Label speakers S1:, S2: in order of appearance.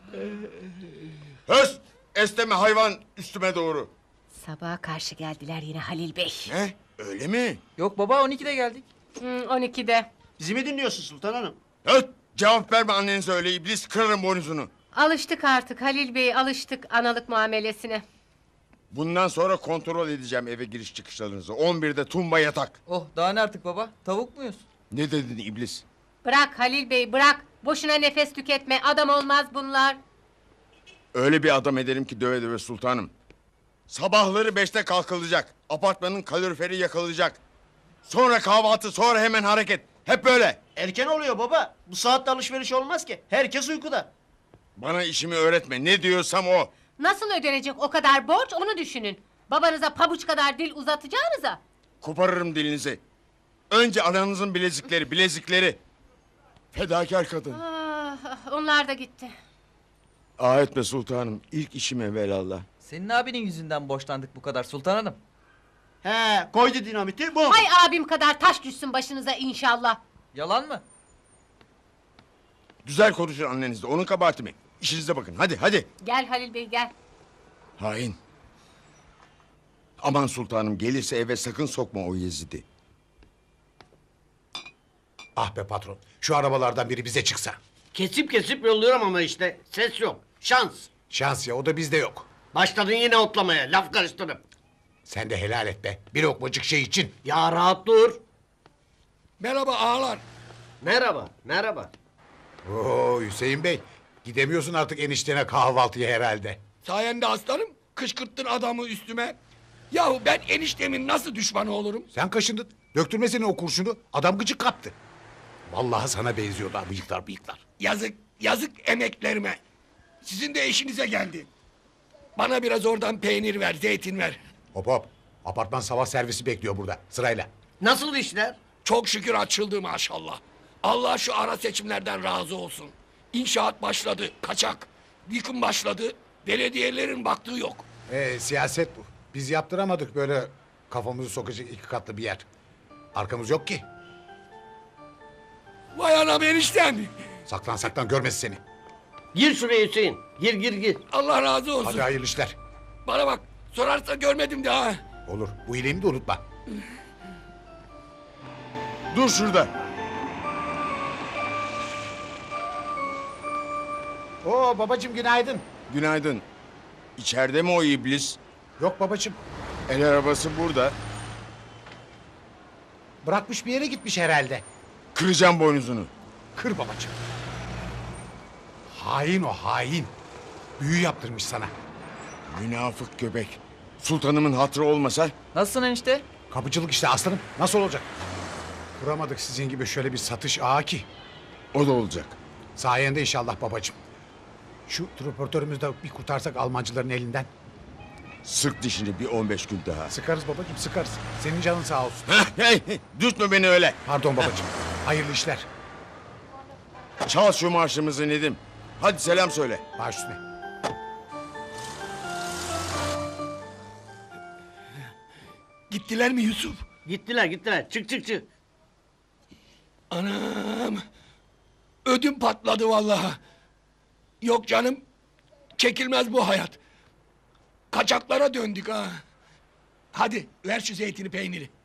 S1: Höst! Esneme hayvan üstüme doğru.
S2: Sabaha karşı geldiler yine Halil Bey.
S1: Ne? Öyle mi?
S3: Yok baba 12'de geldik.
S2: 12'de.
S4: Bizi mi dinliyorsun Sultan Hanım?
S1: Höst! Cevap verme annenize öyle iblis kırarım boynuzunu.
S2: Alıştık artık Halil Bey, alıştık analık muamelesine.
S1: Bundan sonra kontrol edeceğim eve giriş çıkışlarınızı. 11'de tumba yatak.
S3: Oh daha ne artık baba? Tavuk muyuz?
S1: Ne dedin iblis?
S2: Bırak Halil Bey, bırak. Boşuna nefes tüketme, adam olmaz bunlar.
S1: Öyle bir adam ederim ki döve döve sultanım. Sabahları 5'te kalkılacak. Apartmanın kaloriferi yakılacak. Sonra kahvaltı, sonra hemen hareket. Hep böyle.
S4: Erken oluyor baba. Bu saatte alışveriş olmaz ki. Herkes uykuda.
S1: Bana işimi öğretme. Ne diyorsam o.
S2: Nasıl ödenecek o kadar borç onu düşünün. Babanıza pabuç kadar dil uzatacağınıza.
S1: Koparırım dilinizi. Önce ananızın bilezikleri. Fedakar kadın.
S2: Onlar da gitti.
S1: Ah etme sultanım. İlk işim evvelallah.
S3: Senin abinin yüzünden borçlandık bu kadar Sultan Hanım.
S4: He, koydu dinamiti bu.
S2: Hay abim kadar taş düşsün başınıza inşallah.
S3: Yalan mı?
S1: Güzel konuşun annenizle. Onun kabahati mi? İşinize bakın. Hadi.
S2: Gel Halil Bey gel.
S1: Hain. Aman sultanım gelirse eve sakın sokma o Yezid'i.
S5: Ah be patron, şu arabalardan biri bize çıksa.
S6: Kesip kesip yolluyorum ama işte ses yok. Şans.
S5: Şans ya, o da bizde yok.
S6: Başladın yine otlamaya, laf karıştırıp.
S5: Sen de helal et be, bir lokmacık şey için.
S6: Ya rahat dur.
S7: Merhaba ağalar.
S6: Merhaba.
S5: Oo Hüseyin Bey, gidemiyorsun artık eniştene kahvaltıya herhalde.
S7: Sayende aslanım kışkırttın adamı üstüme. Yahu ben eniştemin nasıl düşmanı olurum?
S5: Sen kaşındın, döktürmesene o kurşunu, adam gıcık kaptı. Vallahi sana benziyorlar bıyıklar.
S7: Yazık emeklerime. Sizin de eşinize geldi. Bana biraz oradan peynir ver, zeytin ver.
S5: Hop, apartman sabah servisi bekliyor burada, sırayla.
S6: Nasıl işler?
S7: Çok şükür açıldı maşallah. Allah şu ara seçimlerden razı olsun. İnşaat başladı, kaçak. Yıkım başladı, belediyelerin baktığı yok.
S5: Siyaset bu. Biz yaptıramadık böyle kafamızı sokacak 2 katlı bir yer. Arkamız yok ki.
S7: Vay anam eniştem.
S5: Saklan görmesin seni.
S6: Gir şuraya Hüseyin. Gir.
S7: Allah razı olsun.
S5: Hadi hayırlı işler.
S7: Bana bak, sorarsa görmedim de ha.
S5: Olur, bu iyiliğimi de unutma.
S1: Dur şurada.
S5: Oo babacığım günaydın.
S1: Günaydın. İçeride mi o iblis?
S5: Yok babacığım,
S1: El arabası burada.
S5: bırakmış bir yere gitmiş herhalde.
S1: Kıracağım boynuzunu.
S5: Kır babacığım. Hain o hain. Büyü yaptırmış sana.
S1: Münafık göbek. Sultanımın hatırı olmasa
S3: Nasılsın enişte?
S5: Kapıcılık işte aslanım. Nasıl olacak? Kuramadık sizin gibi şöyle bir satış ağı ki.
S1: o da olacak.
S5: Sayende inşallah babacığım. Şu transportörümüzü de bir kurtarsak Almancıların elinden.
S1: Sık dişini bir 15 gün daha.
S5: Sıkarız babacığım sıkarız. Senin canın sağ olsun.
S1: Hey, dürtme beni öyle.
S5: Pardon babacığım. Hayırlı işler.
S1: Çal şu marşımızı Nedim. Hadi selam söyle.
S5: Baş üstüne.
S7: Gittiler mi Yusuf?
S6: Gittiler. Çık.
S7: Anam. Ödüm patladı vallahi. Yok canım. Çekilmez bu hayat. Kaçaklara döndük ha. Hadi ver şu zeytini peyniri.